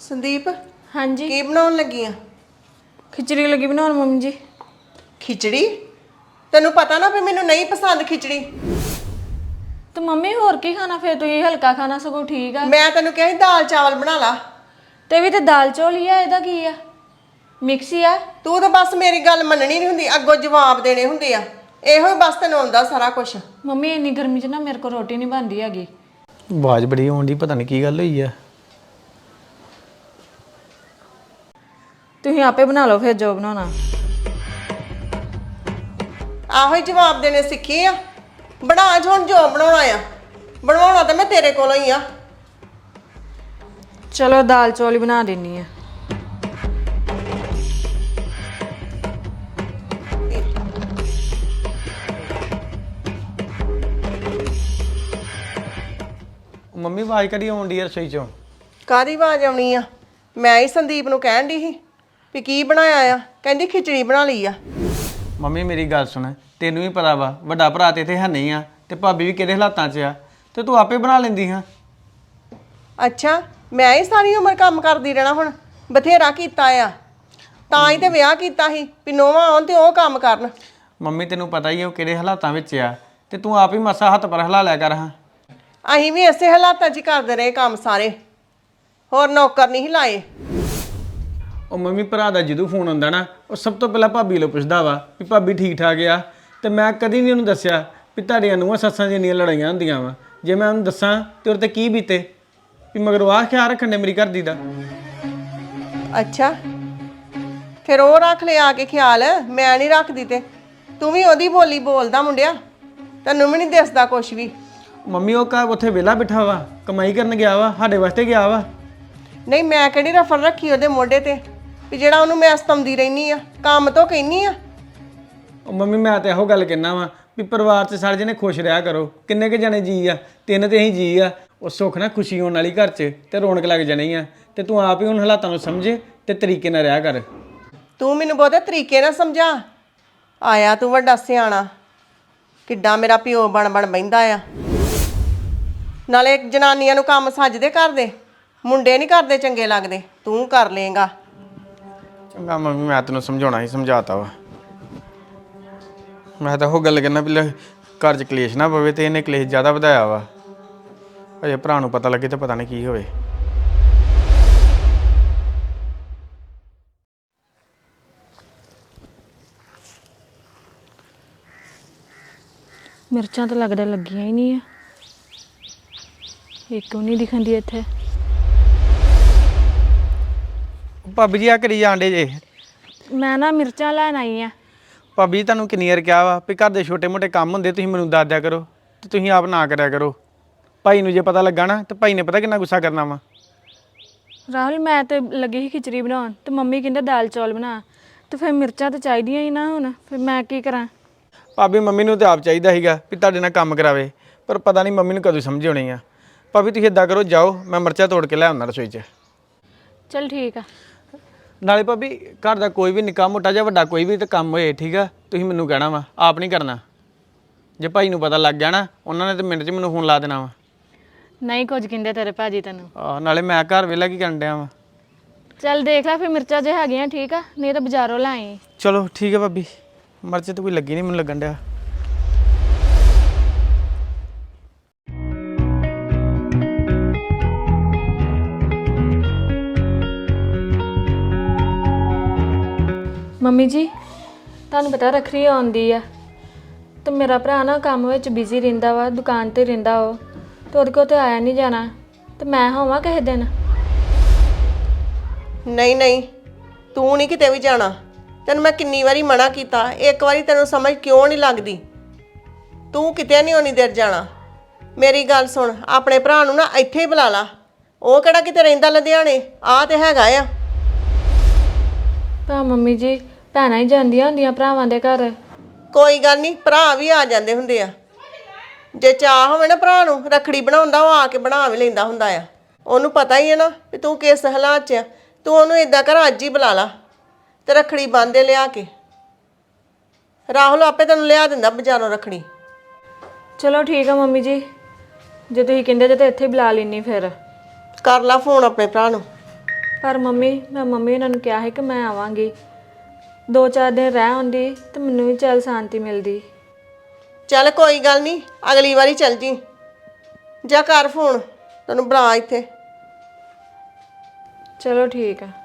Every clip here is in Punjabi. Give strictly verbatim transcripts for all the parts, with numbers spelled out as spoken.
संदीप हाँ जी की बनाउण लगी आ? खिचड़ी लगी बनाउण मम्मी जी। खिचड़ी? तेनू पता ना भी मैनू नहीं पसंद खिचड़ी। तो मम्मी होर की खाना फिर तुसीं हल्का खाना सगों ठीक है। मैं तेनू कहा सी दाल चावल बना ला। ते भी ते दाल चौल ही है, इहदा की है मिक्स ही है। तू तो बस मेरी गल मननी नहीं हुंदी, अगों जवाब देने हुंदे आ। इहो बस तेनू आउंदा सारा कुछ। मम्मी इन्नी गर्मी च ना मेरे को रोटी नहीं बनती हैगी। आवाज़ बड़ी आउंदी, पता नहीं की गल होई है। तुसीं आपे बना लो फिर जो बनाना। आहो ही जवाब देने सीखे आ। बना ज हुण जो बनाउणा आ। बनवाउणा तो मैं तेरे कोलों ही आ। चलो दाल चौल ही बना देनी है। ਮੰਮੀ ਆਵਾਜ਼ ਕਰੀ ਆਉਂਦੀ ਹੈ ਰਸੋਈ ਚੋਂ? ਕਾਹਦੀ ਆਵਾਜ਼ ਆਉਣੀ ਆ? ਮੈਂ ਹੀ ਸੰਦੀਪ ਨੂੰ ਕਹਿਣ ਦੀ ਸੀ ਵੀ ਕੀ ਬਣਾਇਆ ਆ। ਕਹਿੰਦੀ ਖਿਚੜੀ ਬਣਾ ਲਈ ਆ। ਮੰਮੀ ਮੇਰੀ ਗੱਲ ਸੁਣ, ਤੈਨੂੰ ਵੀ ਪਤਾ ਵਾ ਵੱਡਾ ਭਰਾ ਤੇ ਇੱਥੇ ਹੈ ਨਹੀਂ ਆ ਤੇ ਭਾਬੀ ਵੀ ਕਿਹੜੇ ਹਾਲਾਤਾਂ 'ਚ ਆ, ਤੇ ਤੂੰ ਆਪੇ ਬਣਾ ਲੈਂਦੀ ਹਾਂ। ਅੱਛਾ, ਮੈਂ ਹੀ ਸਾਰੀ ਉਮਰ ਕੰਮ ਕਰਦੀ ਰਹਿਣਾ? ਹੁਣ ਬਥੇਰਾ ਕੀਤਾ ਆ, ਤਾਂ ਹੀ ਤੇ ਵਿਆਹ ਕੀਤਾ ਸੀ ਵੀ ਨੋਵਾਂ ਆਉਣ ਤੇ ਉਹ ਕੰਮ ਕਰਨ। ਮੰਮੀ ਤੈਨੂੰ ਪਤਾ ਹੀ ਹੈ ਉਹ ਕਿਹੜੇ ਹਾਲਾਤਾਂ ਵਿੱਚ ਆ, ਤੇ ਤੂੰ ਆਪ ਹੀ ਮਸਾ ਹੱਥ ਪਰ ਹਿਲਾ ਲਿਆ ਕਰ ਹਾਂ। ਅਸੀਂ ਵੀ ਇਸੇ ਹਾਲਾਤਾਂ 'ਚ ਹੀ ਕਰਦੇ ਰਹੇ ਕੰਮ ਸਾਰੇ, ਹੋਰ ਨੌਕਰ ਨਹੀਂ ਲਾਏ। ਉਹ ਮੰਮੀ ਭਰਾ ਦਾ ਜਦੋਂ ਫੋਨ ਆਉਂਦਾ ਨਾ, ਉਹ ਸਭ ਤੋਂ ਪਹਿਲਾਂ ਭਾਬੀ ਨੂੰ ਪੁੱਛਦਾ ਵਾ ਵੀ ਭਾਬੀ ਠੀਕ ਠਾਕ ਆ, ਤੇ ਮੈਂ ਕਦੀ ਨਹੀਂ ਉਹਨੂੰ ਦੱਸਿਆ ਵੀ ਤੁਹਾਡੀਆਂ ਨੂੰਹਾਂ ਸੱਸਾਂ ਦੀਆਂ ਇੰਨੀਆਂ ਲੜਾਈਆਂ ਹੁੰਦੀਆਂ ਵਾ। ਜੇ ਮੈਂ ਉਹਨੂੰ ਦੱਸਾਂ ਤੇ ਉਹਦੇ ਤੇ ਕੀ ਬੀਤੇ, ਵੀ ਮਗਰ ਆਹ ਖਿਆਲ ਰੱਖਣ ਦੇ ਮੇਰੀ ਘਰ ਦੀ ਦਾ। ਅੱਛਾ, ਫਿਰ ਉਹ ਰੱਖ ਲਿਆ ਕੇ ਖਿਆਲ, ਮੈਂ ਨਹੀਂ ਰੱਖਦੀ। ਤੇ ਤੂੰ ਵੀ ਉਹਦੀ ਬੋਲੀ ਬੋਲਦਾ ਮੁੰਡਿਆ, ਤੈਨੂੰ ਵੀ ਨਹੀਂ ਦਿਸਦਾ ਕੁਛ ਵੀ। ਮੰਮੀ ਉਹ ਕਾ ਉੱਥੇ ਵਿਹਲਾ ਬਿਠਾ ਵਾ, ਕਮਾਈ ਕਰਨ ਗਿਆ ਵਾ, ਸਾਡੇ ਵਾਸਤੇ ਗਿਆ ਵਾ। ਨਹੀਂ, ਮੈਂ ਕਿਹੜੀ ਰਫਲ ਰੱਖੀ ਉਹਦੇ ਮੋਢੇ ਤੇ ਵੀ ਜਿਹੜਾ ਉਹਨੂੰ ਮੈਂ ਸਤਾਉਂਦੀ ਰਹਿਨੀ ਆ, ਕੰਮ ਤੋਂ ਕਹਿੰਨੀ ਆ। ਉਹ ਮੰਮੀ ਮੈਂ ਤਾਂ ਇਹੋ ਗੱਲ ਕਹਿਣਾ ਵਾ ਵੀ ਪਰਿਵਾਰ 'ਚ ਸਾਰੇ ਜਣੇ ਖੁਸ਼ ਰਿਹਾ ਕਰੋ। ਕਿੰਨੇ ਕੁ ਜਣੇ ਜੀ ਆ? ਤਿੰਨ ਤੇ ਅਸੀਂ ਜੀ ਆ। ਉਹ ਸੁੱਖ ਨਾ ਖੁਸ਼ੀ ਹੋਣ ਵਾਲੀ ਘਰ 'ਚ ਤੇ ਰੌਣਕ ਲੱਗ ਜਾਣੀ ਆ। ਤੇ ਤੂੰ ਆਪ ਹੀ ਹੁਣ ਹਾਲਾਤਾਂ ਨੂੰ ਸਮਝੇ ਤੇ ਤਰੀਕੇ ਨਾਲ ਰਿਹਾ ਕਰ। ਤੂੰ ਮੈਨੂੰ ਬਹੁਤੇ ਤਰੀਕੇ ਨਾਲ ਸਮਝਾ। ਆਇਆ ਤੂੰ ਵੱਡਾ ਸਿਆਣਾ, ਕਿੱਡਾ ਮੇਰਾ ਪਿਓ ਬਣ ਬਣ ਬਹਿੰਦਾ ਆ। ਨਾਲੇ ਜਨਾਨੀਆਂ ਨੂੰ ਕੰਮ ਸੱਜਦੇ ਕਰਦੇ, ਮੁੰਡੇ ਨਹੀਂ ਕਰਦੇ ਚੰਗੇ ਲੱਗਦੇ। ਤੂੰ ਕਰ ਲੇਗਾ। ਚੰਗਾ ਮੰਮੀ, ਮੈਂ ਤੈਨੂੰ ਸਮਝਾਉਣਾ ਹੀ ਸਮਝਾਤਾ ਵਾ। ਮੈਂ ਤਾਂ ਉਹ ਗੱਲ ਕਹਿਣਾ ਵੀ ਘਰ 'ਚ ਕਲੇਸ਼ ਨਾ ਪਵੇ, ਤੇ ਇਹਨੇ ਕਲੇਸ਼ ਜ਼ਿਆਦਾ ਵਧਾਇਆ ਵਾ। ਅਜੇ ਭਰਾ ਨੂੰ ਪਤਾ ਲੱਗੇ ਤਾਂ ਪਤਾ ਨਹੀਂ ਕੀ ਹੋਵੇ। मिर्चां तो लगदा लगियां ही नहीं है, एक भी नहीं दिखंदी इत्थे। ਭਾਬੀ ਜੀ ਆ ਕਰੀ ਜਾਂਦੇ ਜੇ? मैं ना मिर्चां लैन आई आ। ਭਾਬੀ ਜੀ ਤੁਹਾਨੂੰ ਕਿੰਨੀ ਵਾਰ ਕਿਹਾ ਵਾ ਵੀ ਘਰ ਦੇ ਛੋਟੇ ਮੋਟੇ ਕੰਮ ਹੁੰਦੇ ਤੁਸੀਂ ਮੈਨੂੰ ਦੱਸ ਦਿਆ ਕਰੋ, ਤੇ ਤੁਸੀਂ ਆਪ ਨਾ ਕਰਿਆ ਕਰੋ। ਭਾਈ ਨੂੰ ਜੇ ਪਤਾ ਲੱਗਾ ਨਾ, ਤੇ ਭਾਈ ਨੇ ਪਤਾ ਕਿੰਨਾ ਗੁੱਸਾ ਕਰਨਾ ਵਾ। राहुल मैं तो लगी ही खिचड़ी बनाउण, ते मम्मी कहंदे दाल चौल बना, ते फिर मिर्चां तो चाहिदियां ही ना। हुण फिर मैं की करां? ਭਾਬੀ ਮੰਮੀ ਨੂੰ ਤਾਂ ਆਪ ਚਾਹੀਦਾ ਸੀਗਾ ਵੀ ਤੁਹਾਡੇ ਨਾਲ ਕੰਮ ਕਰਾਵੇ, ਪਰ ਪਤਾ ਨਹੀਂ ਮੰਮੀ ਨੂੰ ਕਦੋਂ ਸਮਝ ਆਉਣੀ ਆ। ਭਾਬੀ ਤੁਸੀਂ ਇੱਦਾਂ ਕਰੋ, ਜਾਓ ਮੈਂ ਮਿਰਚਾਂ ਤੋੜ ਕੇ ਲੈ ਆਉਂਦਾ ਰਸੋਈ 'ਚ। चल ठीक है। ਨਾਲੇ ਭਾਬੀ ਘਰ ਦਾ ਕੋਈ ਵੀ ਨਿੱਕਾ ਮੋਟਾ ਜਾਂ ਵੱਡਾ ਕੋਈ ਵੀ ਤਾਂ ਕੰਮ ਹੋਏ, ਠੀਕ ਆ, ਤੁਸੀਂ ਮੈਨੂੰ ਕਹਿਣਾ ਵਾ, ਆਪ ਨਹੀਂ ਕਰਨਾ। ਜੇ ਭਾਈ ਨੂੰ ਪਤਾ ਲੱਗ ਗਿਆ ਨਾ, ਉਹਨਾਂ ਨੇ ਤਾਂ ਮਿੰਟ 'ਚ ਮੈਨੂੰ ਫੋਨ ਲਾ ਦੇਣਾ ਵਾ। नहीं कुछ कहंदे तेरे भाजी तेनू। ਆਹ ਨਾਲੇ ਮੈਂ ਘਰ ਵੇਲਾ ਕੀ ਕਰਨ ਡਿਆ ਵਾ। चल देख ला फिर मिर्चां जे हैगियां ठीक आ, नहीं तो बाजारों लै आई। ਚਲੋ ਠੀਕ ਹੈ ਭਾਬੀ, ਮਿਰਚ ਤਾਂ ਕੋਈ ਲੱਗੀ ਨਹੀਂ ਮੈਨੂੰ ਲੱਗਣ ਡਿਆ। ਮੰਮੀ ਜੀ ਤੁਹਾਨੂੰ ਪਤਾ ਰੱਖੜੀ ਆਉਂਦੀ ਆ, ਤੇ ਮੇਰਾ ਭਰਾ ਨਾ ਕੰਮ ਵਿੱਚ ਬਿਜ਼ੀ ਰਹਿੰਦਾ ਵਾ, ਦੁਕਾਨ ਤੇ ਰਹਿੰਦਾ ਉਹ, ਤੇ ਉਹਦੇ ਕੋਲ ਤੇ ਆਇਆ ਨਹੀਂ ਜਾਣਾ, ਤੇ ਮੈਂ ਹੋਵਾਂ ਕਿਸੇ ਦਿਨ। ਨਹੀਂ ਨਹੀਂ, ਤੂੰ ਨਹੀਂ ਕਿਤੇ ਵੀ ਜਾਣਾ। ਤੈਨੂੰ ਮੈਂ ਕਿੰਨੀ ਵਾਰੀ ਮਨਾ ਕੀਤਾ, ਇੱਕ ਵਾਰੀ ਤੈਨੂੰ ਸਮਝ ਕਿਉਂ ਨਹੀਂ ਲੱਗਦੀ? ਤੂੰ ਕਿਤੇ ਨਹੀਂ ਉਨੀ ਦੇਰ ਜਾਣਾ। ਮੇਰੀ ਗੱਲ ਸੁਣ, ਆਪਣੇ ਭਰਾ ਨੂੰ ਨਾ ਇੱਥੇ ਹੀ ਬੁਲਾ ਲਾ। ਉਹ ਕਿਹੜਾ ਕਿਤੇ ਰਹਿੰਦਾ ਲੁਧਿਆਣੇ, ਆ ਤੇ ਹੈਗਾ ਆ। ਤਾਂ ਮੰਮੀ ਜੀ ਭੈਣਾਂ ਹੀ ਜਾਂਦੀਆਂ ਹੁੰਦੀਆਂ ਭਰਾਵਾਂ ਦੇ ਘਰ। ਕੋਈ ਗੱਲ ਨਹੀਂ, ਭਰਾ ਵੀ ਆ ਜਾਂਦੇ ਹੁੰਦੇ ਆ। ਜੇ ਚਾਹ ਹੋਵੇ ਨਾ ਭਰਾ ਨੂੰ ਰੱਖੜੀ ਬਣਾਉਂਦਾ, ਉਹ ਆ ਕੇ ਬਣਾ ਵੀ ਲੈਂਦਾ ਹੁੰਦਾ ਆ। ਉਹਨੂੰ ਪਤਾ ਹੀ ਹੈ ਨਾ ਵੀ ਤੂੰ ਕਿਸ ਹਾਲਾਤ 'ਚ ਆ। ਤੂੰ ਉਹਨੂੰ ਇੱਦਾਂ ਕਰ, ਅੱਜ ਹੀ ਬੁਲਾ ਲਾ ਤੇ ਰੱਖੜੀ ਬੰਨ੍ਹਦੇ ਲਿਆ ਕੇ। ਰਾਹੁਲ ਆਪੇ ਤੈਨੂੰ ਲਿਆ ਦਿੰਦਾ ਬਾਜ਼ਾਰੋਂ ਰੱਖੜੀ। ਚਲੋ ਠੀਕ ਆ ਮੰਮੀ ਜੀ, ਜੇ ਤੁਸੀਂ ਕਹਿੰਦੇ ਜੇ ਤਾਂ ਇੱਥੇ ਬੁਲਾ ਲੈਣੀ। ਫਿਰ ਕਰ ਲਾ ਫੋਨ ਆਪਣੇ ਭਰਾ ਨੂੰ। ਪਰ ਮੰਮੀ ਮੈਂ ਮੰਮੀ ਉਹਨਾਂ ਨੂੰ ਕਿਹਾ ਸੀ ਕਿ ਮੈਂ ਆਵਾਂਗੀ। ਦੋ ਚਾਰ ਦਿਨ ਰਹਿ ਆਉਂਦੀ ਤੇ ਮੈਨੂੰ ਵੀ ਚੱਲ ਸ਼ਾਂਤੀ ਮਿਲਦੀ। ਚੱਲ ਕੋਈ ਗੱਲ ਨਹੀਂ, ਅਗਲੀ ਵਾਰੀ ਚੱਲ ਜੀ। ਜਾ ਕਰ ਫੋਨ, ਤੈਨੂੰ ਬੁਲਾ ਇੱਥੇ। ਚਲੋ ਠੀਕ ਆ।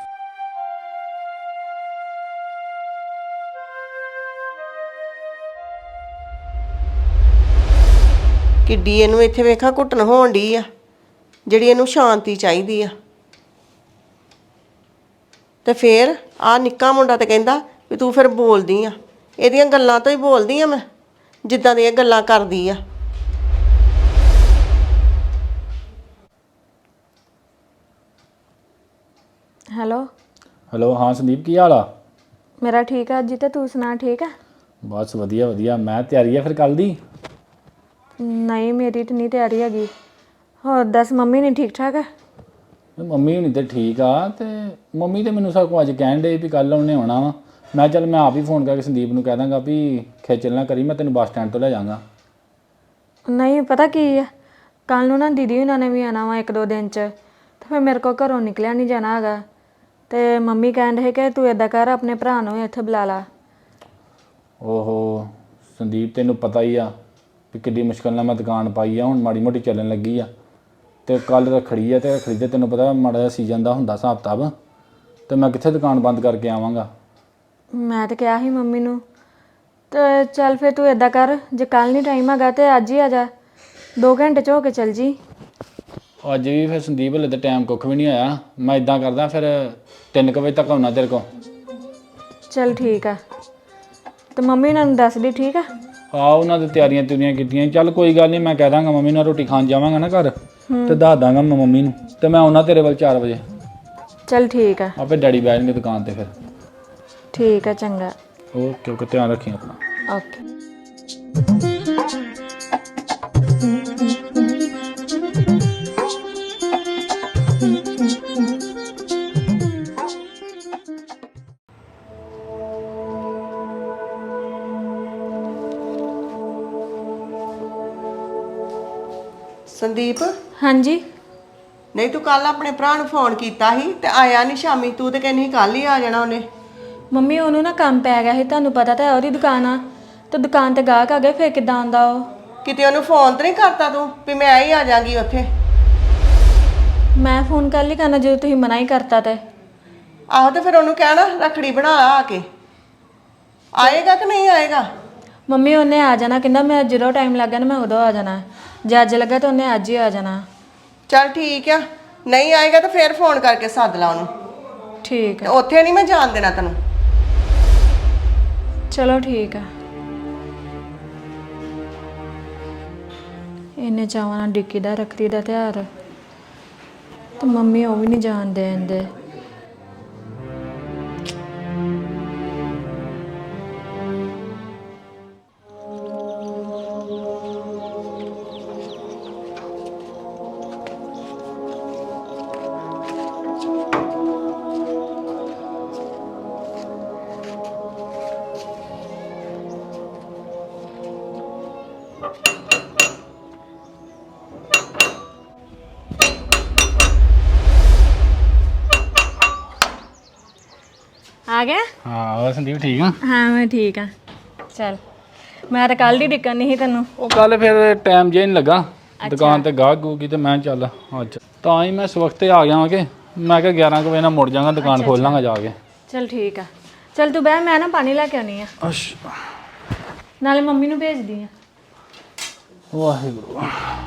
ਕਿੱਡੀ ਇਹਨੂੰ ਇੱਥੇ ਵੇਖਾਂ ਘੁੱਟਣ ਹੋਣ ਡਈ ਆ, ਜਿਹੜੀ ਇਹਨੂੰ ਸ਼ਾਂਤੀ ਚਾਹੀਦੀ ਆ। ਤੇ ਫੇਰ ਆ ਨਿੱਕਾ ਮੁੰਡਾ ਤੇ ਕਹਿੰਦਾ ਵੀ ਤੂੰ ਫਿਰ ਬੋਲਦੀ ਆ। ਇਹਦੀਆਂ ਗੱਲਾਂ ਤੋਂ ਹੀ ਬੋਲਦੀ ਆ ਮੈਂ, ਜਿੱਦਾਂ ਦੀਆਂ ਗੱਲਾਂ ਕਰਦੀ ਆ। ਹੈਲੋ ਹੈਲੋ, ਹਾਂ ਸੰਦੀਪ, ਕੀ ਹਾਲ ਆ? ਮੇਰਾ ਠੀਕ ਆ ਜੀ, ਤੇ ਤੂੰ ਸੁਣਾ ਠੀਕ ਆ? ਬਸ ਵਧੀਆ ਵਧੀਆ। ਮੈਂ ਤਿਆਰੀ ਆ ਫਿਰ ਕੱਲ ਦੀ? ਨਹੀਂ ਮੇਰੀ ਤਾਂ ਨਹੀਂ ਤਿਆਰੀ ਹੈਗੀ। ਹੋਰ ਦੱਸ, ਮੰਮੀ ਨਹੀਂ ਠੀਕ ਠਾਕ ਆ? ਮੰਮੀ ਹੁਣੀ ਤੇ ਠੀਕ ਆ, ਤੇ ਮੰਮੀ ਤੇ ਮੈਨੂੰ ਸਭ ਕੁਝ ਅੱਜ ਕਹਿਣ ਡੇ ਵੀ ਕੱਲ ਉਹਨੇ ਆਉਣਾ ਵਾ। ਮੈਂ ਚੱਲ ਮੈਂ ਆਪ ਹੀ ਫੋਨ ਕਰਕੇ ਸੰਦੀਪ ਨੂੰ ਕਹਿ ਦਾਂਗਾ ਵੀ ਖੇਚਲ ਨਾ ਕਰੀ, ਮੈਂ ਤੈਨੂੰ ਬੱਸ ਸਟੈਂਡ ਤੋਂ ਲੈ ਜਾਵਾਂਗਾ। ਨਹੀਂ ਪਤਾ ਕੀ ਆ, ਕੱਲ ਨੂੰ ਨਾ ਦੀਦੀ ਉਹਨਾਂ ਨੇ ਵੀ ਆਉਣਾ ਵਾ ਇੱਕ ਦੋ ਦਿਨ 'ਚ, ਤੇ ਫਿਰ ਮੇਰੇ ਕੋਲ ਘਰੋਂ ਨਿਕਲਿਆ ਨਹੀਂ ਜਾਣਾ ਹੈਗਾ। ਤੇ ਮੰਮੀ ਕਹਿਣ ਰਹੇ ਕਿ ਤੂੰ ਇੱਦਾਂ ਕਰ, ਆਪਣੇ ਭਰਾ ਨੂੰ ਇੱਥੇ ਬੁਲਾ ਲਾ। ਓਹੋ ਸੰਦੀਪ, ਤੈਨੂੰ ਪਤਾ ਹੀ ਆ ਵੀ ਕਿੱਡੀ ਮੁਸ਼ਕਲ ਨਾਲ ਮੈਂ ਦੁਕਾਨ ਪਾਈ ਆ, ਹੁਣ ਮਾੜੀ ਮੋਟੀ ਚੱਲਣ ਲੱਗੀ ਆ। ਤੇ ਕੱਲ ਰੱਖੜੀ ਆ, ਤੇ ਰੱਖੜੀ ਤੇ ਤੈਨੂੰ ਪਤਾ ਮਾੜਾ ਜਿਹਾ ਸੀਜ਼ਨ ਦਾ ਹੁੰਦਾ ਹਿਸਾਬ ਕਿਤਾਬ, ਤੇ ਮੈਂ ਕਿੱਥੇ ਦੁਕਾਨ ਬੰਦ ਕਰਕੇ ਆਵਾਂਗਾ। ਮੈਂ ਤਾਂ ਕਿਹਾ ਸੀ ਮੰਮੀ ਨੂੰ, ਤੇ ਚੱਲ ਫਿਰ ਤੂੰ ਇੱਦਾਂ ਕਰ, ਜੇ ਕੱਲ ਨਹੀਂ ਟਾਈਮ ਹੈਗਾ ਤੇ ਅੱਜ ਹੀ ਆ ਜਾ, ਦੋ ਘੰਟੇ 'ਚ ਹੋ ਕੇ ਚੱਲ ਜੀ। ਅੱਜ ਵੀ ਫਿਰ ਸੰਦੀਪ ਹਲੇ ਤਾਂ ਟਾਈਮ ਕੁੱਖ ਵੀ ਨਹੀਂ ਆਇਆ। ਮੈਂ ਇਦਾਂ ਕਰਦਾ ਫਿਰ ਤਿੰਨ ਕੁ ਵਜੇ ਤੱਕ ਆਉਣਾ ਤੇਰੇ ਕੋਲ। ਚੱਲ ਠੀਕ ਆ। ਤੇ ਮੰਮੀ ਉਹਨਾਂ ਨੂੰ ਦੱਸ ਦੀ, ਠੀਕ ਆ? ਆ ਉਹਨਾਂ ਦੀ ਤਿਆਰੀਆਂ ਤਿਆਰੀਆਂ ਕੀਤੀਆਂ। ਚੱਲ ਕੋਈ ਗੱਲ ਨਹੀਂ, ਮੈਂ ਕਹਿ ਦਾਂਗਾ ਮੰਮੀ ਨੂੰ, ਰੋਟੀ ਖਾਣ ਜਾਵਾਂਗਾ ਨਾ ਘਰ, ਤੇ ਦੱਸ ਦਾਂਗਾ ਮੈਂ ਮੰਮੀ ਨੂੰ, ਤੇ ਮੈਂ ਆਉਣਾ ਤੇਰੇ ਵੱਲ ਚਾਰ ਵਜੇ। ਚੱਲ ਠੀਕ ਆ। ਆਪੇ ਡੈਡੀ ਬਹਿ ਜਾਣਗੇ ਦੁਕਾਨ ਤੇ ਫਿਰ। ਠੀਕ ਆ, ਚੰਗਾ। ਓਕੇ ਓਕੇ, ਧਿਆਨ ਰੱਖੀ ਆਪਣਾ। ਓਕੇ। ਸੰਦੀਪ, ਹਾਂਜੀ ਨਹੀਂ ਤੂੰ ਕੱਲ ਆਪਣੇ ਭਰਾ ਨੂੰ ਫੋਨ ਕੀਤਾ ਸੀ ਤੇ ਆਇਆ ਨਹੀਂ ਸ਼ਾਮੀ। ਤੂੰ ਤੇ ਕਹਿੰਦੀ ਸੀ ਕੱਲ ਹੀ ਆ ਜਾਣਾ ਉਹਨੇ। ਮੰਮੀ ਉਹਨੂੰ ਨਾ ਕੰਮ ਪੈ ਗਿਆ ਸੀ, ਤੁਹਾਨੂੰ ਪਤਾ ਤਾਂ ਹੈ ਉਹਦੀ ਦੁਕਾਨ ਆ, ਤੇ ਦੁਕਾਨ ਤੇ ਗਾਹਕ ਆ ਗਏ, ਫਿਰ ਕਿੱਦਾਂ ਆਉਂਦਾ ਉਹ? ਕਿਤੇ ਉਹਨੂੰ ਫੋਨ ਤੇ ਨਹੀਂ ਕਰਤਾ ਤੂੰ ਵੀ ਮੈਂ ਹੀ ਆ ਜਾਾਂਗੀ ਉੱਥੇ? ਮੈਂ ਫੋਨ ਕਰ ਲਈ ਕਰਨਾ ਜਦੋਂ ਤੁਸੀਂ ਮਨਾ ਹੀ ਕਰਤਾ ਤੇ। ਆਹੋ, ਤੇ ਫਿਰ ਉਹਨੂੰ ਕਹਿਣਾ ਰੱਖੜੀ ਬਣਾ ਆ ਕੇ। ਆਏਗਾ ਕਿ ਨਹੀਂ ਆਏਗਾ? ਮੰਮੀ ਉਹਨੇ ਆ ਜਾਣਾ, ਕਹਿੰਦਾ ਮੈਂ ਜਦੋਂ ਟਾਈਮ ਲੱਗਾ ਨਾ ਮੈਂ ਉਦੋਂ ਆ ਜਾਣਾ, ਜੇ ਅੱਜ ਲੱਗਾ ਤਾਂ ਉਹਨੇ ਅੱਜ ਹੀ ਆ ਜਾਣਾ। ਚੱਲ ਠੀਕ ਆ, ਨਹੀਂ ਆਏਗਾ ਤਾਂ ਫਿਰ ਫੋਨ ਕਰਕੇ ਸੱਦ ਲਾ ਉਹਨੂੰ। ਠੀਕ ਤੇ ਆ। ਉੱਥੇ ਨਹੀਂ ਮੈਂ ਜਾਣ ਦੇਣਾ ਤੈਨੂੰ। ਚਲੋ ਠੀਕ ਆ। ਇਹਨੇ ਚਾਵਾਂ ਨਾਲ ਡਿੱਕੀ ਦਾ ਰੱਖੜੀ ਦਾ ਤਿਉਹਾਰ, ਤੇ ਮੰਮੀ ਉਹ ਵੀ ਨਹੀਂ ਜਾਣ ਦੇਂਦੇ। ਆ ਗਿਆ? ਹਾਂ ਹੋਰ ਸੰਦੀਪ ਠੀਕ ਆ? ਹਾਂ ਮੈਂ ਠੀਕ ਆ। ਚੱਲ ਮੈਂ ਤਾਂ ਕੱਲ ਦੀ ਡਿੱਕਣ ਨਹੀਂ ਸੀ ਤੈਨੂੰ। ਉਹ ਕੱਲ ਫਿਰ ਟਾਈਮ ਜੇ ਨਹੀਂ ਲੱਗਾ ਦੁਕਾਨ ਤੇ ਗਾਹਕ ਗੂਗੀ, ਤੇ ਮੈਂ ਚੱਲ ਅੱਜ ਤਾਂ ਹੀ ਮੈਂ ਇਸ ਵਕਤ ਆ ਗਿਆ ਕਿ ਮੈਂ ਕਿਹਾ ਗਿਆਰਾਂ ਕੁ ਵਜੇ ਨਾਲ ਮੁੜ ਜਾਵਾਂਗਾ, ਦੁਕਾਨ ਖੋਲ ਲਾਂਗਾ ਜਾ ਕੇ। ਚੱਲ ਠੀਕ ਆ। ਚੱਲ ਤੂੰ ਬਹਿ, ਮੈਂ ਨਾ ਪਾਣੀ ਲੈ ਕੇ ਆਉਣੀ ਆ, ਅੱਛਾ ਨਾਲੇ ਮੰਮੀ ਨੂੰ ਭੇਜਦੀ ਆ। ਵਾਹਿਗੁਰੂ।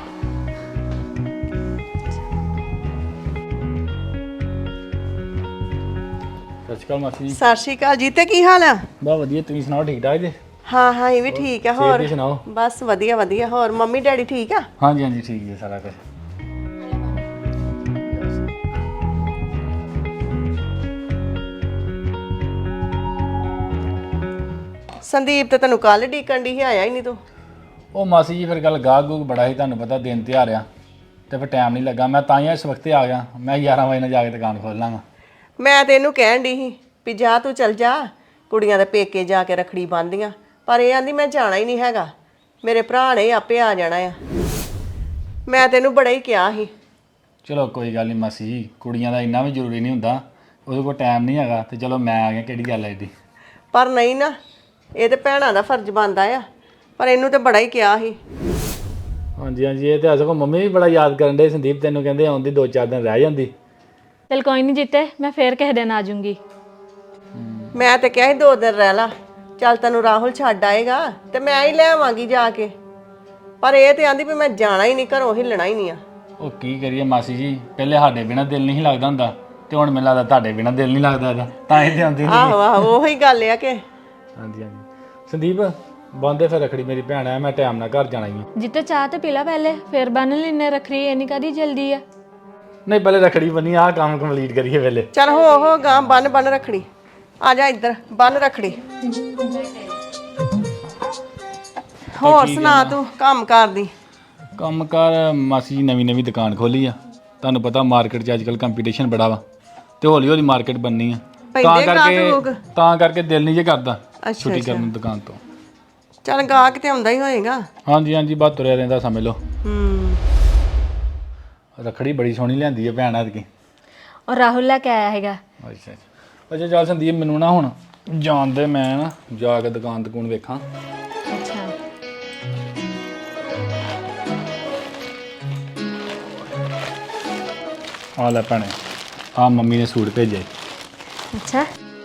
ਸਤਿ ਸ਼੍ਰੀ ਅਕਾਲ ਮਾਸੀ ਜੀ। ਸਤਿ ਸ਼੍ਰੀ ਅਕਾਲ ਜੀ। ਤੇ ਕੀ ਹਾਲ ਆ? ਬਹੁਤ ਵਧੀਆ, ਤੁਸੀਂ ਸੁਣਾਓ ਠੀਕ ਠਾਕ ਜੀ? ਹਾਂ ਹਾਂ, ਇਹ ਵੀ ਠੀਕ ਆ। ਸਿਹਤ ਹੋਰ ਦੀ ਸੁਣਾਓ? ਬਸ ਵਧੀਆ ਵਧੀਆ। ਹੋਰ ਮੰਮੀ ਡੈਡੀ ਠੀਕ ਆ? ਹਾਂਜੀ ਹਾਂਜੀ ਠੀਕ ਜੀ ਸਾਰਾ ਕੁਝ। ਸੰਦੀਪ ਤੇ ਤੈਨੂੰ ਕੱਲ ਡੀਕਣ ਦੀ ਸੀ, ਆਇਆ ਹੀ ਨਹੀਂ ਤੂੰ। ਉਹ ਮਾਸੀ ਜੀ ਫਿਰ ਗੱਲ ਗਾਹਕ ਗੂਕ ਬੜਾ ਸੀ, ਤੁਹਾਨੂੰ ਪਤਾ ਦਿਨ ਤਿਉਹਾਰ ਆ, ਤੇ ਫਿਰ ਟਾਈਮ ਨਹੀਂ ਲੱਗਾ। ਮੈਂ ਤਾਂ ਹੀ ਇਸ ਵਕਤ ਆ ਗਿਆ, ਮੈਂ ਗਿਆਰਾਂ ਵਜੇ ਨਾਲ ਜਾ ਕੇ ਦੁਕਾਨ ਖੋਲ ਲਾਂਗਾ। ਮੈਂ ਤੇ ਇਹਨੂੰ ਕਹਿਣ ਦੀ ਸੀ ਵੀ ਜਾ ਤੂੰ ਚੱਲ ਜਾ, ਕੁੜੀਆਂ ਦੇ ਪੇਕੇ ਜਾ ਕੇ ਰੱਖੜੀ ਬੰਨ੍ਹਦੀਆਂ, ਪਰ ਇਹ ਆਂਦੀ ਮੈਂ ਜਾਣਾ ਹੀ ਨਹੀਂ ਹੈਗਾ, ਮੇਰੇ ਭਰਾ ਨੇ ਆਪੇ ਆ ਜਾਣਾ ਆ। ਮੈਂ ਤੈਨੂੰ ਬੜਾ ਹੀ ਕਿਹਾ ਸੀ। ਚਲੋ ਕੋਈ ਗੱਲ ਨਹੀਂ ਮਾਸੀ ਜੀ, ਕੁੜੀਆਂ ਦਾ ਇੰਨਾ ਵੀ ਜ਼ਰੂਰੀ ਨਹੀਂ ਹੁੰਦਾ, ਉਹਦੇ ਕੋਲ ਟਾਈਮ ਨਹੀਂ ਹੈਗਾ ਤੇ ਚਲੋ ਮੈਂ ਆ ਗਿਆ, ਕਿਹੜੀ ਗੱਲ ਹੈ ਇਹਦੀ। ਪਰ ਨਹੀਂ ਨਾ, ਇਹ ਤੇ ਭੈਣਾਂ ਦਾ ਫਰਜ਼ ਬਣਦਾ ਆ, ਪਰ ਇਹਨੂੰ ਤੇ ਬੜਾ ਹੀ ਕਿਹਾ ਸੀ। ਹਾਂਜੀ ਹਾਂਜੀ, ਇਹ ਤੇ ਅਸਕੋ ਮੰਮੀ ਵੀ ਬੜਾ ਯਾਦ ਕਰਨ ਦੇ ਸੰਦੀਪ, ਤੈਨੂੰ ਕਹਿੰਦੇ ਆਉਂਦੀ ਦੋ ਚਾਰ ਦਿਨ ਰਹਿ ਜਾਂਦੀ। ਚਲ ਕੋਈ ਨਹੀਂ ਜੀਤੇ, ਮੈਂ ਫੇਰ ਕਿਸੇ ਦਿਨ ਆ ਜਾਊਂਗੀ। ਮੈਂ ਤੇ ਕਿਹਾ ਸੀ ਦੋ ਦਿਨ ਰਹਿ ਲਾ, ਚੱਲ ਤੈਨੂੰ ਰਾਹੁਲ ਛੱਡ ਆਏਗਾ ਤੇ ਮੈਂ ਹੀ ਲੈ ਆਵਾਂਗੀ ਜਾ ਕੇ, ਪਰ ਇਹ ਤੇ ਆਂਦੀ ਵੀ ਮੈਂ ਜਾਣਾ ਹੀ ਨਹੀਂ, ਘਰੋਂ ਹਿੱਲਣਾ ਹੀ ਨਹੀਂ ਆ। ਉਹ ਕੀ ਕਰੀਏ ਮਾਸੀ ਜੀ, ਪਹਿਲੇ ਸਾਡੇ ਬਿਨਾਂ ਦਿਲ ਨਹੀਂ ਲੱਗਦਾ ਹੁੰਦਾ, ਤੇ ਹੁਣ ਮੈਨੂੰ ਲੱਗਦਾ ਤੁਹਾਡੇ ਬਿਨਾਂ ਦਿਲ ਨਹੀਂ ਲੱਗਦਾ ਇਹਦਾ, ਤਾਂ ਹੀ ਤੇ ਆਉਂਦੀ ਨਹੀਂ। ਆਹੋ ਆਹੋ, ਉਹੀ ਗੱਲ ਆ ਕਿ ਹਾਂਜੀ ਹਾਂਜੀ ਸੰਦੀਪ, ਬੰਦੇ ਫਿਰ ਰੱਖੜੀ, ਮੇਰੀ ਭੈਣ ਆ, ਮੈਂ ਟਾਈਮ ਨਾਲ ਘਰ ਜਾਣਾ ਹੀ ਆ। ਜਿੱਤੇ ਚਾਹ ਤੇ ਪੀ ਲਾ ਪਹਿਲੇ, ਫੇਰ ਬੰਨ ਲੈਨੇ ਰੱਖੜੀ, ਇੰਨੀ ਕਾਦੀ ਜਲਦੀ ਆ। ਨਹੀਂ ਪਹਿਲੇ ਰੱਖੜੀ ਬੰਨੀ, ਆਹ ਕੰਮ ਕੰਪਲੀਟ ਕਰੀਏ ਪਹਿਲੇ। ਚੱਲ ਹੋ ਹੋ ਗਾਂ, ਬੰਨ ਬੰਨ ਰੱਖੜੀ, ਆ ਜਾ ਇੱਧਰ ਬੰਨ ਰੱਖੜੀ। ਹੋਰ ਸੁਣਾ ਤੂੰ ਕੰਮ ਕਰਦੀ? ਕੰਮ ਕਾਰ ਮਾਸੀ ਜੀ ਨਵੀਂ ਨਵੀਂ ਦੁਕਾਨ ਖੋਲੀ ਆ, ਤੁਹਾਨੂੰ ਪਤਾ ਮਾਰਕੀਟ 'ਚ ਅੱਜ ਕੱਲ੍ਹ ਕੰਪੀਟੀਸ਼ਨ ਬੜਾ ਵਾ, ਤੇ ਹੌਲੀ ਹੌਲੀ ਮਾਰਕੀਟ ਬਣਨੀ ਆ, ਤਾਂ ਕਰਕੇ ਤਾਂ ਕਰਕੇ ਦਿਲ ਨਹੀਂ ਜੇ ਕਰਦਾ ਛੁੱਟੀ ਕਰਨ ਨੂੰ ਦੁਕਾਨ ਤੋਂ। ਚੱਲ ਗਾਹਕ ਤੇ ਆਉਂਦਾ ਹੀ ਹੋਏਗਾ। ਹਾਂਜੀ ਹਾਂਜੀ, ਬਸ ਤੁਰਿਆ ਰਹਿੰਦਾ ਸਮਝ ਲਓ। ਹੂੰ, ਰੱਖੜੀ ਬੜੀ ਸੋਹਣੀ ਲਿਆਂਦੀ ਆ ਭੈਣ ਐਤਕੀ। ਔਰ ਰਾਹੁਲ ਲੈ ਕੇ ਆਇਆ ਹੈਗਾ। ਅੱਛਾ ਅੱਛਾ ਅੱਛਾ, ਚੱਲ ਸੰਦੀਪ ਮੈਨੂੰ ਨਾ ਹੁਣ ਜਾਣ ਦੇ, ਮੈਂ ਨਾ ਜਾ ਕੇ ਦੁਕਾਨ ਦੁਕਾਨ ਵੇਖਾਂ। ਅੱਛਾ ਆ ਲੈ ਭੈਣੇ, ਆ ਮੰਮੀ ਨੇ ਸੂਟ ਭੇਜੇ। ਅੱਛਾ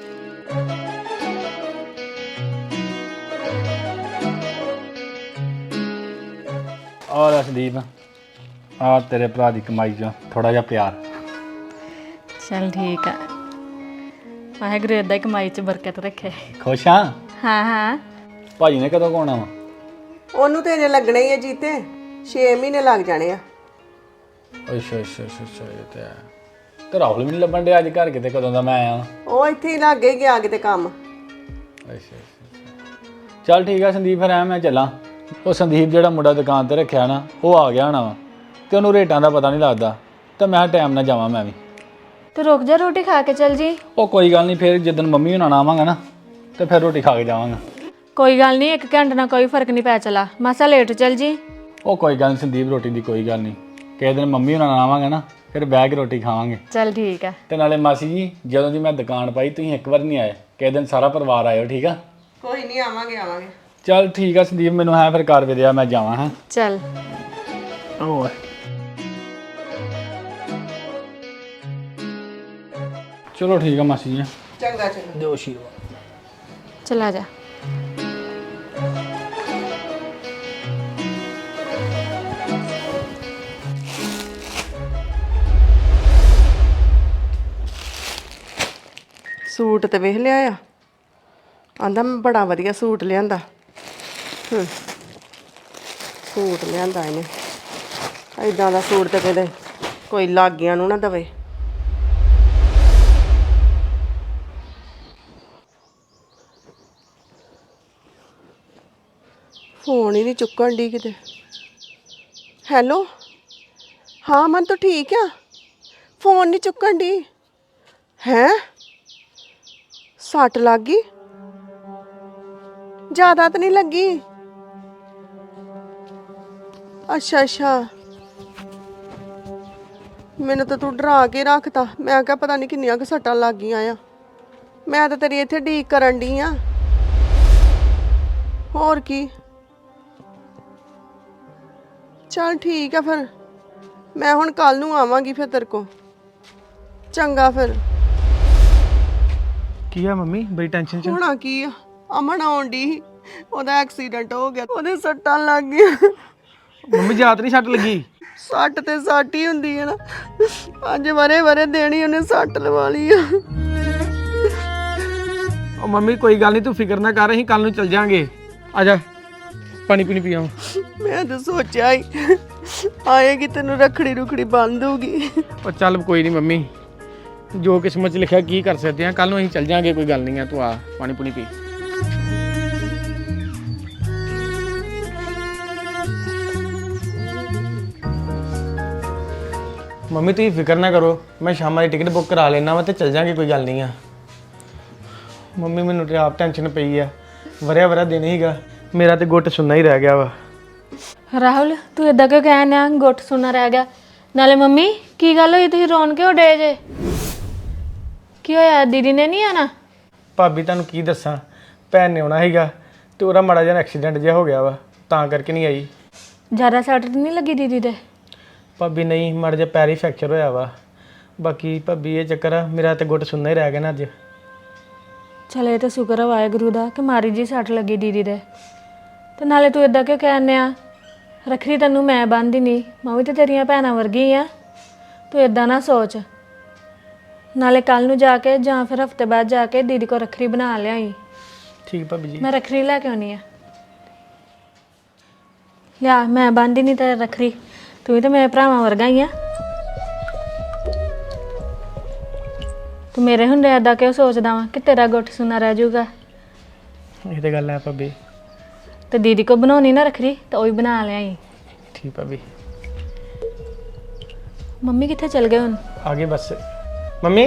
ਆ ਲੈ ਸੰਦੀਪ, ਆ ਤੇਰੇ ਭਰਾ ਦੀ ਕਮਾਈ 'ਚੋਂ ਥੋੜਾ ਜਿਹਾ ਪਿਆਰ। ਚਲ ਠੀਕ ਆ, ਵਾਹਿਗੁਰੂ ਏਦਾਂ ਹੀ ਕਮਾਈ 'ਚ ਬਰਕਤ ਰੱਖੇ। ਖੁਸ਼ ਆ? ਹਾਂ ਹਾਂ। ਭਾਜੀ ਨੇ ਕਦੋਂ ਕੋਣਾ ਵਾ? ਉਹਨੂੰ ਤੇ ਅਜੇ ਲੱਗਣਾ ਹੀ ਹੈ ਜੀਤੇ, ਛੇ ਮਹੀਨੇ ਲੱਗ ਜਾਣੇ ਆ। ਅੱਛਾ ਅੱਛਾ ਅੱਛਾ ਅੱਛਾ, ਇਹ ਤੇ ਹੈ। ਤੇ ਰਾਹੁਲ ਵੀ ਨਹੀਂ ਲੱਭਣ ਡਿਆ ਅੱਜ ਘਰ, ਕਿਤੇ ਕਦੋਂ ਦਾ ਮੈਂ ਆਇਆ। ਉਹ ਇੱਥੇ ਹੀ ਲੱਗ ਹੀ ਗਿਆ ਕਿਤੇ ਕੰਮ। ਅੱਛਾ ਅੱਛਾ, ਚੱਲ ਠੀਕ ਆ ਸੰਦੀਪ, ਫਿਰ ਐ ਮੈਂ ਚੱਲਾਂ। ਉਹ ਸੰਦੀਪ ਜਿਹੜਾ ਮੁੰਡਾ ਦੁਕਾਨ ਤੇ ਰੱਖਿਆ ਨਾ, ਉਹ ਆ ਗਿਆ ਹੋਣਾ ਵਾ, ਤੇ ਉਹਨੂੰ ਰੇਟਾਂ ਦਾ ਪਤਾ ਨਹੀਂ ਲੱਗਦਾ, ਤੇ ਮੈਂ ਟਾਈਮ ਨਾਲ ਜਾਵਾਂ ਮੈਂ ਵੀ। ਤੇ ਰੁਕ ਜਾ, ਰੋਟੀ ਖਾ ਕੇ ਚੱਲ ਜੀ। ਉਹ ਕੋਈ ਗੱਲ ਨਹੀਂ, ਫਿਰ ਜਦੋਂ ਮੰਮੀ ਹੁਣਾਂ ਨਾਲ ਆਵਾਂਗਾ ਨਾ, ਤੇ ਫਿਰ ਰੋਟੀ ਖਾ ਕੇ ਜਾਵਾਂਗਾ। ਕੋਈ ਗੱਲ ਨਹੀਂ, ਇੱਕ ਘੰਟੇ ਨਾਲ ਕੋਈ ਫਰਕ ਨਹੀਂ ਪੈ ਚਲਾ, ਮਾਸਾ ਲੇਟ ਚੱਲ ਜੀ। ਉਹ ਕੋਈ ਗੱਲ ਨਹੀਂ ਸੰਦੀਪ, ਰੋਟੀ ਦੀ ਕੋਈ ਗੱਲ ਨਹੀਂ, ਕਿਸੇ ਦਿਨ ਮੰਮੀ ਹੁਣਾਂ ਨਾਲ ਆਵਾਂਗਾ ਨਾ, ਫਿਰ ਬਹਿ ਕੇ ਰੋਟੀ ਖਾਵਾਂਗੇ। ਚੱਲ ਠੀਕ ਆ। ਤੇ ਨਾਲੇ ਮਾਸੀ ਜੀ, ਜਦੋਂ ਦੀ ਮੈਂ ਦੁਕਾਨ ਪਾਈ ਤੁਸੀਂ ਇੱਕ ਵਾਰ ਨਹੀਂ ਆਏ, ਕਿਸੇ ਦਿਨ ਸਾਰਾ ਪਰਿਵਾਰ ਆਇਓ, ਠੀਕ ਆ? ਕੋਈ ਨਹੀਂ, ਆਵਾਂਗੇ ਆਵਾਂਗੇ। ਚੱਲ ਠੀਕ ਆ ਸੰਦੀਪ, ਮੈਨੂੰ ਹੈ ਫਿਰ ਕਰ ਵਿਦਿਆ, ਮੈਂ ਜਾਵਾਂ। ਹਾਂ ਚੱਲ। ਓਏ ਚਲੋ ਠੀਕ ਆ ਮਾਸੀ ਜੀ, ਚੰਗਾ ਚੰਗਾ। ਦਿਓ ਆਸ਼ੀਰਵਾਦ। ਚਲਾ ਜਾ। ਸੂਟ ਤੇ ਵੇਖ ਲਿਆ ਆ, ਆਂਦਾ ਮੈਂ ਬੜਾ ਵਧੀਆ ਸੂਟ ਲਿਆਂਦਾ। ਹੂੰ, ਸੂਟ ਲਿਆਂਦਾ ਇਹਨੇ, ਏਦਾਂ ਦਾ ਸੂਟ ਤੇ ਕਿਤੇ ਕੋਈ ਲਾਗਿਆਂ ਨੂੰ ਨਾ ਦਵੇ। ਫੋਨ ਹੀ ਨਹੀਂ ਚੁੱਕਣ ਦੀ ਕਿਤੇ। ਹੈਲੋ, ਹਾਂ ਮਨ ਤਾਂ ਠੀਕ ਆ, ਫੋਨ ਨਹੀਂ ਚੁੱਕਣ ਦੀ। ਹੈਂ, ਸੱਟ ਲੱਗ ਗਈ? ਜ਼ਿਆਦਾ ਤਾਂ ਨਹੀਂ ਲੱਗੀ? ਅੱਛਾ ਅੱਛਾ, ਮੈਨੂੰ ਤਾਂ ਤੂੰ ਡਰਾ ਕੇ ਰੱਖਤਾ। ਮੈਂ ਕਿਹਾ ਪਤਾ ਨਹੀਂ ਕਿੰਨੀਆਂ ਕੁ ਸੱਟਾਂ ਲੱਗ ਗਈਆਂ ਆ। ਮੈਂ ਤਾਂ ਤੇਰੀ ਇੱਥੇ ਢੀਕ ਕਰਨ ਡਈ ਆ। ਹੋਰ ਕੀ, ਚੱਲ ਠੀਕ ਆ ਫਿਰ, ਮੈਂ ਹੁਣ ਕੱਲ ਨੂੰ ਆਵਾਂਗੀ ਫਿਰ ਤੇਰੇ ਕੋਲ। ਚੰਗਾ ਫਿਰ। ਕੀ ਆ ਮੰਮੀ, ਬੜੀ ਟੈਨਸ਼ਨ ਚ? ਹੋਣਾ ਕੀ ਆ, ਅਮਨ ਆਉਣ ਡਈ ਸੀ, ਉਹਦਾ ਐਕਸੀਡੈਂਟ ਹੋ ਗਿਆ, ਉਹਦੇ ਸੱਟਾਂ ਲੱਗ ਗਈਆਂ। ਮੰਮੀ ਜਾਤ ਨਹੀਂ ਸੱਟ ਲੱਗੀ? ਸੱਟ ਤੇ ਸੱਟ ਹੀ ਹੁੰਦੀ ਹੈ ਨਾ, ਅੱਜ ਵਰੇ ਵਰੇ ਦੇਣੀ ਉਹਨੇ ਸੱਟ ਲਵਾ ਲਈ ਆ। ਉਹ ਮੰਮੀ ਕੋਈ ਗੱਲ ਨਹੀਂ, ਤੂੰ ਫਿਕਰ ਨਾ ਕਰ, ਅਸੀਂ ਕੱਲ ਨੂੰ ਚੱਲ ਜਾਾਂਗੇ। ਆ ਜਾ, ਪਾਣੀ ਪੀਣੀ ਪੀਆਵਾਂ। ਮੈਂ ਤਾਂ ਸੋਚਿਆ ਹੀ ਆਏਗੀ ਤੈਨੂੰ ਰੱਖੜੀ ਰੁਖੜੀ ਬੰਨ ਦੂਗੀ। ਉਹ ਚੱਲ ਕੋਈ ਨਹੀਂ ਮੰਮੀ, ਜੋ ਕਿਸਮਤ 'ਚ ਲਿਖਿਆ ਕੀ ਕਰ ਸਕਦੇ ਆ, ਕੱਲ ਨੂੰ ਅਸੀਂ ਚੱਲ ਜਾਾਂਗੇ, ਕੋਈ ਗੱਲ ਨਹੀਂ ਆ। ਤੂੰ ਆ, ਪਾਣੀ ਪੂਣੀ ਪੀ। ਮੰਮੀ ਤੁਸੀਂ ਫਿਕਰ ਨਾ ਕਰੋ, ਮੈਂ ਸ਼ਾਮਾਂ ਦੀ ਟਿਕਟ ਬੁੱਕ ਕਰਾ ਲੈਣਾ ਵਾ ਤੇ ਚੱਲ ਜਾਾਂਗੇ, ਕੋਈ ਗੱਲ ਨਹੀਂ ਆ। ਮੰਮੀ ਮੈਨੂੰ ਤੇ ਆਪ ਟੈਨਸ਼ਨ ਪਈ ਆ, ਵਰਿਆ ਵਰਿਆ ਦਿਨ ਹੀਗਾ, ਮੇਰਾ ਤੇ ਗੁੱਟ ਸੁੰਨਾ ਹੀ ਰਹਿ ਗਿਆ ਵਾ। ਰਾਹੁਲ, ਤੂੰ ਇਦਾਂ ਕਿਉਂ ਕਹਿਣ ਆ ਗੁੱਟ ਸੁਣਨਾ ਰਹਿ ਗਿਆ? ਨਾਲੇ ਮੰਮੀ ਕੀ ਗੱਲ ਹੋਈ ਤੁਸੀਂ ਰੋਣ ਕਿਉਂ ਡੇ ਜੇ? ਕੀ ਹੋਇਆ, ਦੀਦੀ ਨੇ ਨਹੀਂ ਆਣਾ? ਭਾਬੀ ਤੁਹਾਨੂੰ ਕੀ ਦੱਸਾਂ, ਭੈਣ ਨੇ ਆਉਣਾ ਸੀਗਾ ਤੇ ਉਹਦਾ ਮਾੜਾ ਜਿਹਾ ਐਕਸੀਡੈਂਟ ਜਿਹਾ ਹੋ ਗਿਆ ਵਾ, ਤਾਂ ਕਰਕੇ ਨਹੀਂ ਆਈ। ਜ਼ਿਆਦਾ ਸੱਟ ਤਾਂ ਨਹੀਂ ਲੱਗੀ ਦੀਦੀ ਦੇ? ਭਾਬੀ ਨਹੀਂ, ਮਾੜਾ ਜਿਹਾ ਪੈਰ ਹੀ ਫ੍ਰੈਕਚਰ ਹੋਇਆ ਵਾ। ਬਾਕੀ ਭਾਬੀ ਇਹ ਚੱਕਰ ਆ, ਮੇਰਾ ਤੇ ਗੁੱਟ ਸੁੰਨਾ ਹੀ ਰਹਿ ਗਿਆ ਨਾ ਅੱਜ। ਚਲ ਇਹ ਤਾਂ ਸ਼ੁਕਰ ਆ ਵਾਹਿਗੁਰੂ ਦਾ ਕਿ ਮਾਰੀ ਜੀ ਸੱਟ ਲੱਗੀ ਦੀਦੀ ਦੇ। ਤੇ ਨਾਲੇ ਤੂੰ ਇਦਾਂ ਕਿਉਂ ਕਹਿੰਦੇ ਆ? ਰੱਖੜੀ ਤੈਨੂੰ ਮੈਂ ਬੰਨ੍ਹਦੀ ਨਹੀਂ, ਮੈਂ ਵੀ ਤੇ ਤੇਰੀਆਂ ਭੈਣਾਂ ਵਰਗੀ ਆ। ਤੂੰ ਇਦਾਂ ਨਾ ਸੋਚ। ਨਾਲੇ ਕੱਲ ਨੂੰ ਜਾ ਕੇ ਜਾਂ ਫਿਰ ਹਫਤੇ ਬਾਅਦ ਜਾ ਕੇ ਦੀਦੀ ਕੋ ਰੱਖੜੀ ਬਣਾ ਲਿਆਈ। ਠੀਕ ਭਾਬੀ ਜੀ। ਮੈਂ ਰੱਖੜੀ ਲੈ ਕੇ ਆਉਣੀ ਆ। ਲਿਆ, ਮੈਂ ਬੰਨ੍ਹਦੀ ਨਹੀਂ ਤੇ ਰੱਖੜੀ, ਤੂੰ ਵੀ ਤਾਂ ਮੇਰੇ ਭਰਾਵਾਂ ਵਰਗਾ ਹੀ ਆ। ਤੂੰ ਮੇਰੇ ਹੁੰਦੇ ਏਦਾਂ ਕਿਉਂ ਸੋਚਦਾ ਵਾ ਕਿ ਤੇਰਾ ਗੁੱਟ ਸੁਣਾ ਰਹਿ ਜਾਊਗਾ? ਇਹ ਤੇ ਗੱਲ ਹੈ ਭਾਬੀ। ਤੇ ਦੀਦੀ ਕੋ ਬਣਾਉਣੀ ਨਾ ਰੱਖੜੀ ਤਾਂ ਉਹ ਹੀ ਬਣਾ ਲਿਆਈ। ਠੀਕ ਭਾਬੀ। ਮੰਮੀ ਕਿੱਥੇ ਚਲ ਗਏ ਹੁਣ? ਆ ਗਏ ਬਸ। ਮੰਮੀ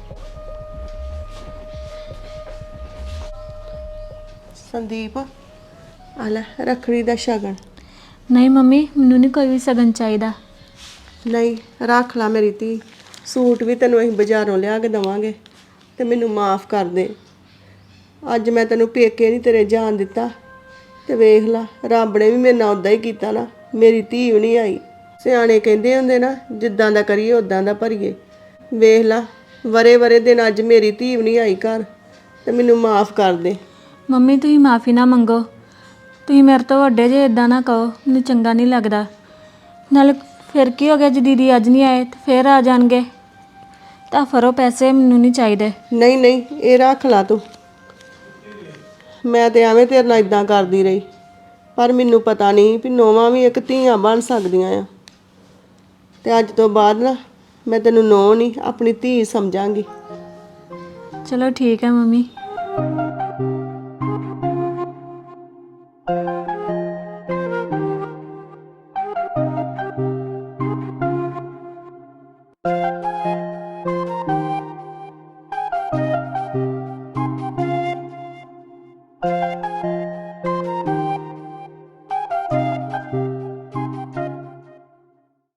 ਸੰਦੀਪ ਆ ਲੈ ਰੱਖੜੀ ਦਾ ਸ਼ਗਨ। ਨਹੀਂ ਮੰਮੀ, ਮੈਨੂੰ ਨਹੀਂ ਕੋਈ ਵੀ ਸਗਨ ਚਾਹੀਦਾ। ਨਹੀਂ ਰੱਖ ਲਾ ਮੇਰੀ ਧੀ, ਸੂਟ ਵੀ ਤੈਨੂੰ ਅਸੀਂ ਬਾਜ਼ਾਰੋਂ ਲਿਆ ਕੇ ਦੇਵਾਂਗੇ ਤੇ ਮੈਨੂੰ ਮਾਫ ਕਰ ਦੇ। ਅੱਜ ਮੈਂ ਤੈਨੂੰ ਪੇਕੇ ਨਹੀਂ ਤੇਰੇ ਜਾਣ ਦਿੱਤਾ ਤੇ ਵੇਖ ਲਾ ਰੱਬ ਨੇ ਵੀ ਮੇਰੇ ਨਾਲ ਉਦਾਂ ਹੀ ਕੀਤਾ ਨਾ, ਮੇਰੀ ਧੀ ਵੀ ਨਹੀਂ ਆਈ। ਸਿਆਣੇ ਕਹਿੰਦੇ ਹੁੰਦੇ ਨਾ, ਜਿੱਦਾਂ ਦਾ ਕਰੀਏ ਉਦਾਂ ਦਾ ਭਰੀਏ। ਵੇਖ ਲਾ ਵਰੇ ਵਰੇ ਦਿਨ ਅੱਜ ਮੇਰੀ ਧੀ ਵੀ ਨਹੀਂ ਆਈ ਘਰ, ਤੇ ਮੈਨੂੰ ਮਾਫ ਕਰ ਦੇ। ਮੰਮੀ ਤੁਸੀਂ ਮਾਫੀ ਨਾ ਮੰਗੋ, ਤੁਸੀਂ ਮੇਰੇ ਤੋਂ ਵੱਡੇ ਜੇ, ਇਦਾਂ ਨਾ ਕਹੋ, ਮੈਨੂੰ ਚੰਗਾ ਨਹੀਂ ਲੱਗਦਾ। ਨਾਲੇ ਫਿਰ ਕੀ ਹੋ ਗਿਆ ਜੇ ਦੀਦੀ ਅੱਜ ਨਹੀਂ ਆਏ ਤੇ ਫਿਰ ਆ ਜਾਣਗੇ? ਤਾਂ ਫਰੋ ਪੈਸੇ, ਮੈਨੂੰ ਨਹੀਂ ਚਾਹੀਦੇ। ਨਹੀਂ ਨਹੀਂ ਇਹ ਰੱਖ ਲਾ ਤੂੰ। ਮੈਂ ਤੇ ਐਵੇਂ ਤੇਰੇ ਨਾਲ ਇਦਾਂ ਕਰਦੀ ਰਹੀ, ਪਰ ਮੈਨੂੰ ਪਤਾ ਨਹੀਂ ਵੀ ਨੋਵਾਂ ਵੀ ਇੱਕ ਧੀਆਂ ਬਣ ਸਕਦੀਆਂ ਆ। ਤੇ ਅੱਜ ਤੋਂ ਬਾਅਦ ਨਾ ਮੈਂ ਤੈਨੂੰ ਨੋ ਨਹੀਂ, ਆਪਣੀ ਧੀ ਸਮਝਾਂਗੀ। ਚਲੋ ਠੀਕ ਹੈ ਮੰਮੀ।